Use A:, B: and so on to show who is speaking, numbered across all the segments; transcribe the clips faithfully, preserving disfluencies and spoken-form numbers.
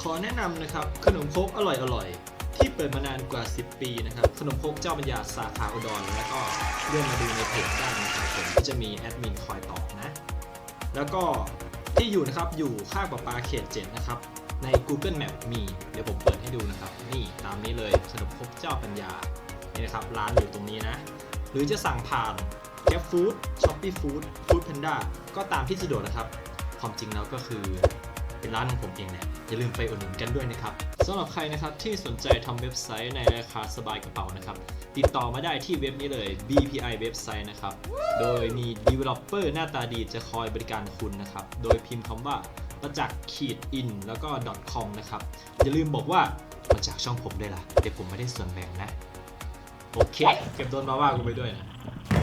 A: ขอแนะนำนะครับขนมครกอร่อยๆที่เปิดมานานกว่าสิบปีนะครับขนมครกเจ้าปัญญาสาขาอุดรแล้วก็เลื่อนมาดูในเพจได้นะครับผมก็จะมีแอดมินคอยตอบนะแล้วก็ที่อยู่นะครับอยู่ข้างประปาเขตเจ็ดนะครับใน Google Map มีเดี๋ยวผมเปิดให้ดูนะครับนี่ตามนี้เลยขนมครกเจ้าปัญญานี่นะครับร้านอยู่ตรงนี้นะหรือจะสั่งผ่าน Grab Food Shopee Food Food Panda ก็ตามที่สะดวกนะครับความจริงแล้วก็คือเป็นร้านของผมเองแหละอย่าลืมไปอุดหนุนกันด้วยนะครับสำหรับใครนะครับที่สนใจทำเว็บไซต์ในราคาสบายกระเป๋านะครับติดต่อมาได้ที่เว็บนี้เลย บี พี ไอ เว็บไซต์นะครับโดยมี developer หน้าตาดีจะคอยบริการคุณนะครับโดยพิมพ์คำว่าประจักษ์ขีด in แล้วก็ .com นะครับอย่าลืมบอกว่ามาจากช่องผมด้วยล่ะเดี๋ยวผมไม่ได้ส่วนแบ่งนะโอเคเก็บโดนมาว่ากูไปด้วยนะ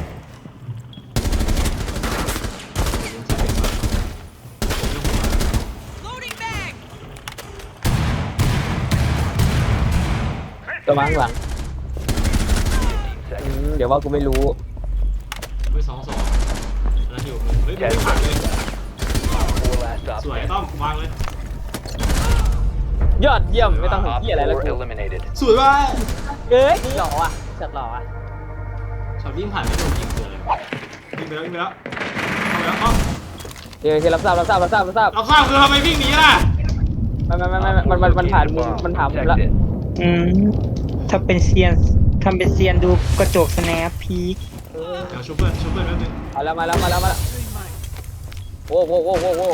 B: ระวังหลังเดี๋ยวว่ากูไม่รู้
A: เฮ้ยสองสองแล้วอยู่มึงเฮ้ยไม่ผ่านเลยสวยต้อมวางเลย
B: ยอดเยี่ยมไม่ต้องถึงที่อะไรแล้วกู
A: สวยว่ะ
B: เอ้ยหล่ออ่ะจัดหล่ออ่ะ
A: ช็อตวิ่งผ่านไม่โดนยิงเกินเลยวิ่งไปแล้ววิ่งไปแล้วเอาแล้วอ้อม
B: เดี๋ยวรับทราบรับทราบรับทราบรับทราบ
A: รับทราบคือทำไมวิ่งหนีล่ะ
B: ไม่ไม่ไม่ไม่มันมันมันผ่านมุมมันผ่านมุมแล้ว
C: อืมถ้าเป็นเซียนทำเป็นเซียนดูกระจกสแนปพีค
A: เดี๋ยวชูเปิลชูเปิลแป๊บนึง
B: มาแล้วมาแล้วมาแล้วมาแล้วโว้โว้โว้โว้โว้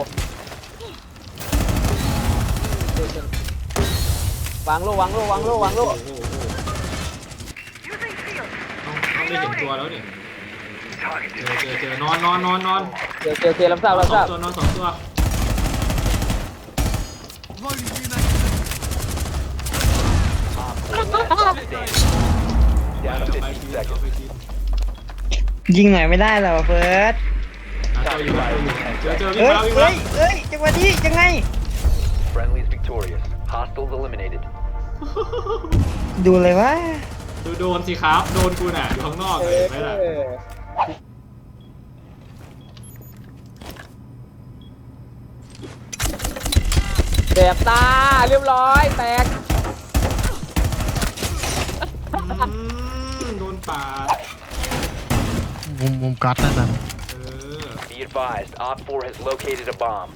B: วางโลวางโลวางโลวางโล
A: ต้องต้องได้เห็นตัวแล้วเนี่ยเจอเจอเจอนอนนอนนอนนอน
B: เจอเจอเจอรับทราบรับทราบ
A: ตัวนอนสองตัว
C: ยิงหน่อยไม่ได้หรอเฟิร์ส
A: เจอเจอวิ่ง
C: เฮ้ย
A: มาวิ่ง
C: เฮ้
A: มาย
C: เฮ้ยจังหวะนี้ยังไง
D: Friendly's victorious. Hostiles eliminated.
C: ดูเลยว่า
A: ดูโดนสิครับโดนกูน่ะอยู่ข้างนอกเลยไหมล่ะ
B: แสบตาเรียบร้อยแตก
A: โดนปาด
E: มุมมุมกัดนั่นน่ะ
D: Be advised, Op โฟร์ has located a bomb.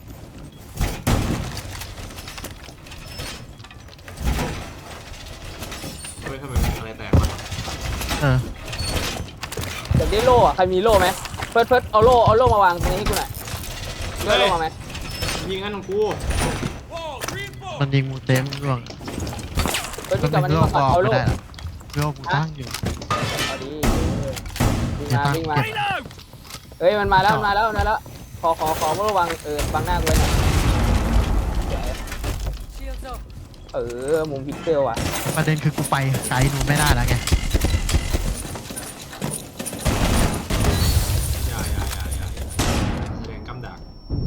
A: เฮ้ยทำไมอะไรแตกวะ
E: เออ
B: อยากได้โล่อะใครมีโล่ไหมเฟิร์สเฟิร์สเอาโล่เอาโล่มาวางตรงนี้ให้กูหน่อยได้โล่มาไหม
A: ยิงงั้นของกู
E: มันยิงมูเต็มร่วง
B: เฟิร์สกลับมานี่มาก่อนเอาโล่
E: โล่กูตั้งอยู่
B: เอาดีวิ่งมาวิ่งมาเฮ้ยมันมาแล้วมาแล้วมาแล้วขอขอขอระวังเออบังหน้ากูไว้หน่อยเออมุมพิกเซลอ่ะ
E: ประเด็นคือกูไปไกลหนูไม่ได้แล้วไง
A: อย่าอย่าอย่าอย่าแสดงกำดัก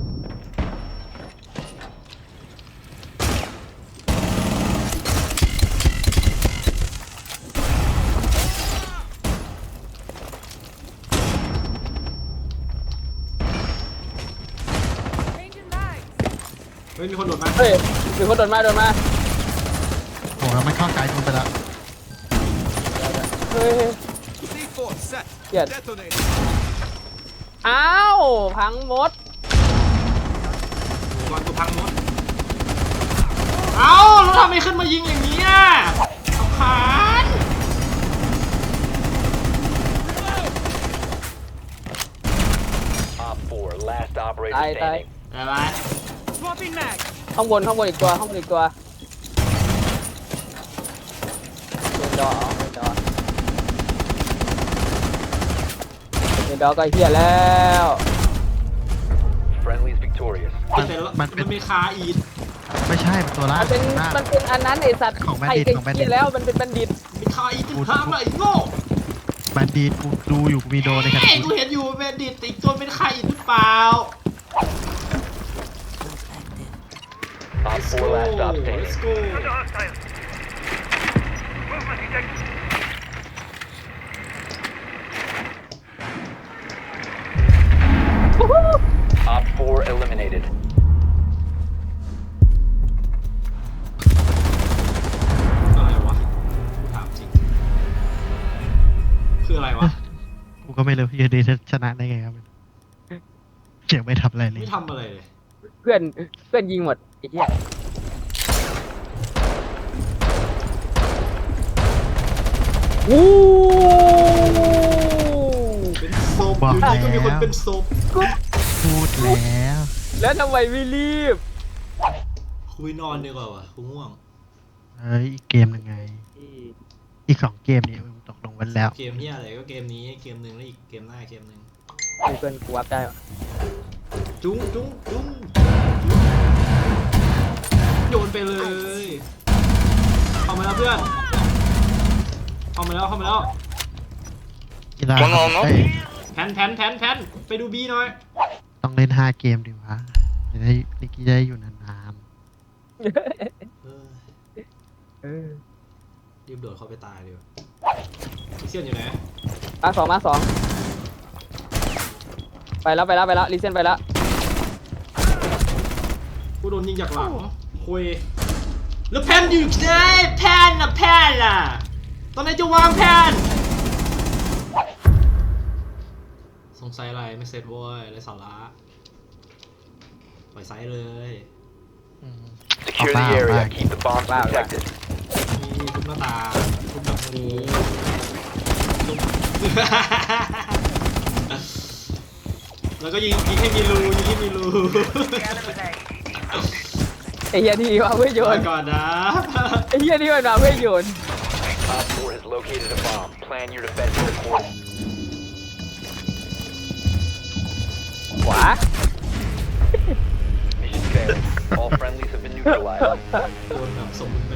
A: เฮ้ยมีคนโดดมา
B: เฮ้ยมีคนโดดมาโดดมา
E: โอ้แล้วมันเข้าไกลนูไปแล้ว
B: เฮ้ยเกียดอ้าวพังหมด
A: ก่อนกูพังหมดเอ้าแล้วทำไมขึ้นมายิงอย่างนี้อ่ะสำคัญ
B: ตายตาย
A: อะไร
B: ข้างบนข้างบนอีกตัวข้างบนอีกตัวเดินดอเดินดอเดินดอก็เฮียแล้ว
D: Friendly's victorious.
A: มันมันมีคาอีด
E: ไม่ใช่เป็นตัวล่า
B: มันเป็นมันเป็นอันนั้นไอสัตว์
E: ของแบน
B: ดิต
E: ของแบนดิต
B: แล้วมันเป็นแบนดิต
A: มีคาอีดเป็นพามาอีกโง่
E: แบนดิตกูดูอยู่กูมีโดในขณะ
A: นี้กูเห็นอยู่แบนดิตอีกตัวเป็นคาอีดหรือเปล่า
D: Op โฟร์ last stop standing. Op โฟร์ eliminated.
E: ก็ไม่รู้อยูดีชนะได้ไงครับเจ๋งไม่ทำอะไรเลย
A: ไม่ทำอะไรเลย
B: เพื่อนเพื่อนยิงหมดไอ้เหี้ยวู้
A: เป็นศพอยู่ดีก็มีคนเป็นศพ
E: พูดแล้ว
B: แล้วทำไมไม่รีบ
A: คุยนอนดีกว่าวะกูง่วง
E: เฮ้ยอีกเกมหนึ่งไง อีกสองเกมนี่มึงตกลงกันแล้ว
A: เกมเฮียอะไรก็เกมนี้เกมหนึ่งแล้วอีกเกมหน้าเกมหนึ่ง
B: มีเพื่อนกูวับได้ปะ
A: จุ้งจุ้งจุ้งโยนไปเลยเอามาแล้วเพื่อนเอามาแล้วเข้ามาแล้ว
E: กีฬาเอ้ย
A: แพนแพนแพนแพนไปดูบีหน่อย
E: ต้องเล่นห้าเกมดีวะจะได้ลิกกี้จะได้อยู่นาน
A: เออ
B: เออ
A: รีบโดดเข้าไปตายดีกว่าเซียนอยู่ไหน
B: มาสองมาสองไปแล้วไปแล้วไปแล้วรีเซนไปแล้ว
A: กูโดนยิงจากหลังคุยแล้วแพนอยู่ไหนแพนน่ะแพนล่ะตอนไหนจะวางแพนสงสัยอะไรไม่เสร็จเว้ยไรสาระปล่อยไซส์เลย
E: ๆอืม
D: Secure the
E: Wow,
D: area.
E: wow.
D: Keep the bombs
B: Wow, wow.
D: protected.
A: มีทุกหน้าตาทุกแบบนี้ทุก แล้วก็ยิงยิงให้มีรูยิงให้มีรู
B: ไอ้เหี้ยนี่ว่าเพื่อโย
A: ไป
B: น
A: ก่อนนะ
B: ไอ้เหี้ยนี่มันมาเพื่อโยน
D: Op four has located a bomb. Plan your defense accordingly.
B: ขวา
D: Mission failed. All friendlies have been neutralized.
A: โดนแบบสมบูรณ์แบบ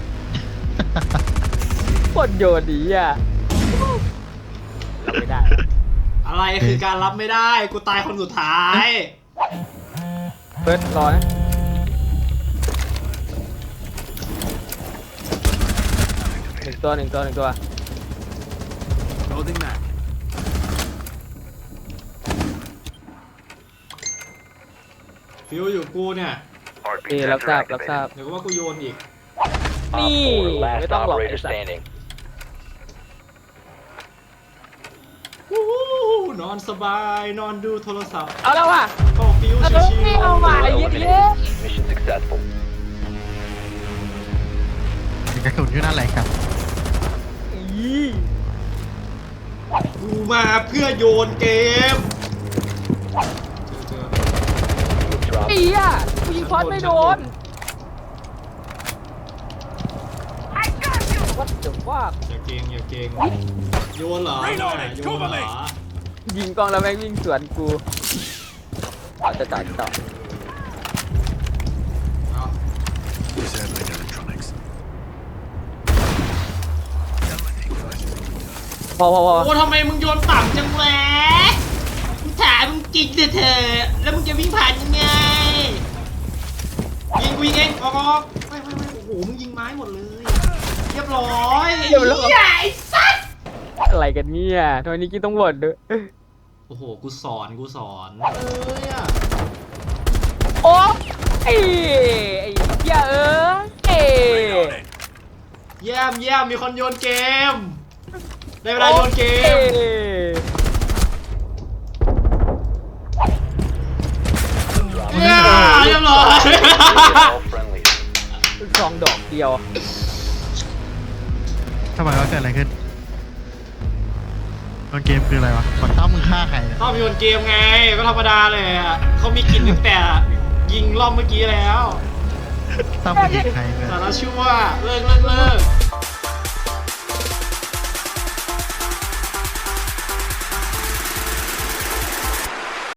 B: โคตรโยนดีอ่ะรับไม่ได้
A: อะไรคือการรับไม่ได้กูตายคนสุดท้าย
B: เฟิร์สรอนะหนึ่งตัวหนึ่งตัวหนึ่งตัว
A: ฟิวอยู่กูเนี่ย
B: นี่รับทราบรับทราบ
A: เดี๋ยวก็ว่ากูโยนอีก
D: Op
B: นี่
D: four,
B: ไม่
D: last
B: ต้องหลอก
D: operator
B: ไอ้สัตว์
D: standing.
A: วู้ฮู้นอนสบายนอนดูโทรศัพท์
B: เอาแล้วว่ะ
A: เข้าฟิว
B: เอา
A: ชิ
B: แล้ว
A: ว
B: เอาว่ะไอ้เหี้ย
D: Eliminated. Mission successful.
E: มีกระสุนอยู่นั่นแหละครับ
B: อี
A: ๆกูมาเพื่อโยนเกมเจอ
D: Drop.
B: ไอ้เหี้ยกูยิงคอสไม่โดน What the fuck
A: ๆอย่าเกงอย่าเกงโยนเหรอโยนเหรอ
B: ยิงกล้องแล้วแม่งวิ่งสวนกูเอาจะต่อจะต่อ
A: เอา
B: พอพอพอ
A: โอ้ทำไมมึงโยนต่ำจังวะมึงถามมึงกินเถอะเถอะแล้วมึงจะวิ่งผ่านยังไงยิงกูยิงเองออกออกไม่ไม่ไม่โอ้โหมึงยิงไม้หมดเลยเรียบร้อยไอ้เหี้ยไอ้สัส
B: อะไรกันเนี่ยทำไมนี่กี้ต้องบ่นด้วย
A: โอ้โหกูสอนกูสอนเอ้ยอะ
B: โอ้ไอ้ไอ้เหี้ยเออเอ้
A: เยี่ยมเยี่ยมมีคนโยนเกมได้เวลาโยนเกมเยี่ยมเรียบร้อย
D: All friendlies.
B: สองดอกเดียว
E: ทำไมว่าเกิดอะไรขึ้นตอนเกมคืออะไรวะกดต้อมมึงฆ่าใครเนี่ย
A: ชอบโยนเกมไงก็ธรรมดาเลยอะเขามีกินตั้งแต่ยิงรอบเมื่อกี้แล้ว
E: ต้อมมึงยิงใครเนี่ย
A: สารชั่วเลิกเลิกเลิก